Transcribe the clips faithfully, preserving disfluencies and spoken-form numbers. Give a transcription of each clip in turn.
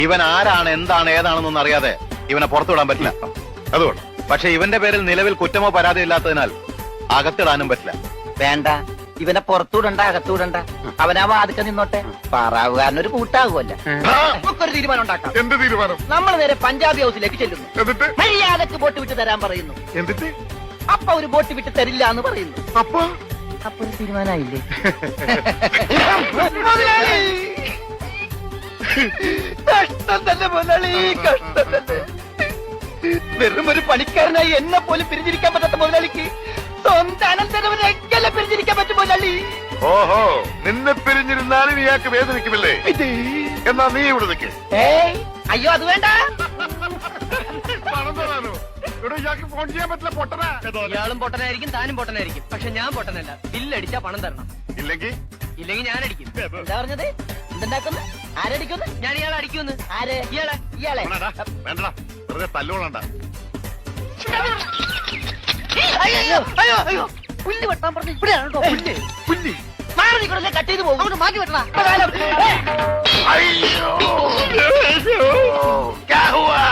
ഇവൻ ആരാണ് എന്താണ് ഏതാണെന്നൊന്നും അറിയാതെ ഇവനെ പുറത്തുവിടാൻ പറ്റില്ല. അതുകൊണ്ട് പക്ഷെ ഇവന്റെ പേരിൽ നിലവിൽ കുറ്റമോ പരാതി ഇല്ലാത്തതിനാൽ അകത്തിടാനും പറ്റില്ല. വേണ്ട, ഇവനെ പുറത്തൂടണ്ട, അകത്തൂടണ്ട. അവനാ വാതിക്ക നിന്നോട്ടെ. പാറാവുകാരനൊരു കൂട്ടാകുമല്ല. നമുക്കൊരു തീരുമാനം ഉണ്ടാക്കാം. എന്ത് തീരുമാനം? നമ്മൾ നേരെ പഞ്ചാബി ഹൗസിലേക്ക് ചെല്ലുന്നു. എന്നിട്ട് മര്യാദക്ക് ബോട്ട് വിട്ട് തരാൻ പറയുന്നു. എന്നിട്ട് അപ്പ ഒരു ബോട്ട് വിട്ട് തരില്ല എന്ന് പറയുന്നു. അപ്പൊ അപ്പൊ ഒരു തീരുമാനമായില്ലേ? കഷ്ടം തന്നെ മുതലാളി, കഷ്ടം തന്നെ. വെറും ഒരു പണിക്കാരനായി എന്നെ പോലും പിരിഞ്ഞിരിക്കാൻ പറ്റാത്ത മുതലാളിക്ക് സ്വന്തം അനന്തരവരെയൊക്കെ പിരിഞ്ഞിരിക്കാൻ പറ്റും മുതലാളി. ഓഹോ, നിന്നെ പിരിഞ്ഞിരുന്നാലും ഇയാൾക്ക് വേദനിക്കുമില്ലേ? എന്നാ നീ ഇവിടെ നിൽക്ക്. ഏയ് അയ്യോ, അത് വേണ്ട. പണം തരാനോ? ഇവിടെ ഇയാൾക്ക് ഫോൺ ചെയ്യാൻ പറ്റില്ല, പൊട്ടനാ. ഇയാളും പൊട്ടനായിരിക്കും, താനും പൊട്ടനായിരിക്കും. പക്ഷെ ഞാൻ പൊട്ടനല്ല. ബില്ലടിച്ചാ പണം തരണം. ഇല്ലെങ്കിൽ ഇല്ലെങ്കിൽ ഞാൻ അടിക്കും. എന്താ പറഞ്ഞത്? എന്തുണ്ടാക്കുന്നു? ആരടിക്കുന്നു? ഞാൻ ഇയാളെ അടിക്കുമെന്ന്. ആര്? ഇയാളെ ഇയാളെ. വേണ്ടടാ, വേണ്ടടാ, വെറുതെ തല്ലുകൊള്ളണ്ട. അയ്യോ അയ്യോ അയ്യോ, പുല്ല് വെട്ടാൻ പറഞ്ഞു. ഇവിടെയാണ് കേട്ടോ പുല്ല്. പുല്ലി. മാറി നിൽക്കണല്ലേ, കട്ട് ചെയ്ത് പോകും. മാറ്റി വെട്ടണ. അയ്യോ, ക്യാ ഹുവാ?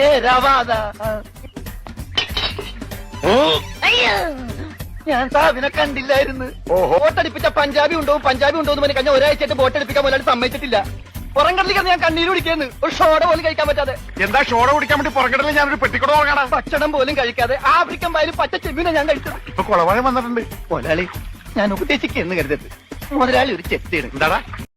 അയ്യോ, ഞാൻ സാബിനെ കണ്ടില്ലായിരുന്നു. ബോട്ടടിപ്പിച്ച പഞ്ചാബി ഉണ്ടോ പഞ്ചാബി ഉണ്ടോ എന്ന് പറഞ്ഞ് കഴിഞ്ഞ ഒരാഴ്ചയായിട്ട് ബോട്ടടിപ്പിക്കാൻ മുതലാളി സമ്മതിച്ചിട്ടില്ല. പുറംകടലിൽ ഞാൻ കണ്ണീര് കുടിക്കുന്നു. ഒരു ഷോട പോലും കഴിക്കാൻ പറ്റാതെ. എന്താ ഷോട കുടിക്കാൻ വേണ്ടി പുറകിടല് ഞാനൊരു പെട്ടിക്കൂടെ തുടങ്ങണം. ഭക്ഷണം പോലും കഴിക്കാതെ ആഫ്രിക്കൻ പായലും പച്ച ചെമ്മീനെ ഞാൻ കഴിച്ചത്. ഇപ്പൊ കുളവാഴം വന്നിട്ടുണ്ട്. മുതലാളി, ഞാൻ ഉപദേശിക്കുന്നു കരുതരുത്. മുതലാളി ഒരു ചെത്തിയാണ്. എന്താടാ?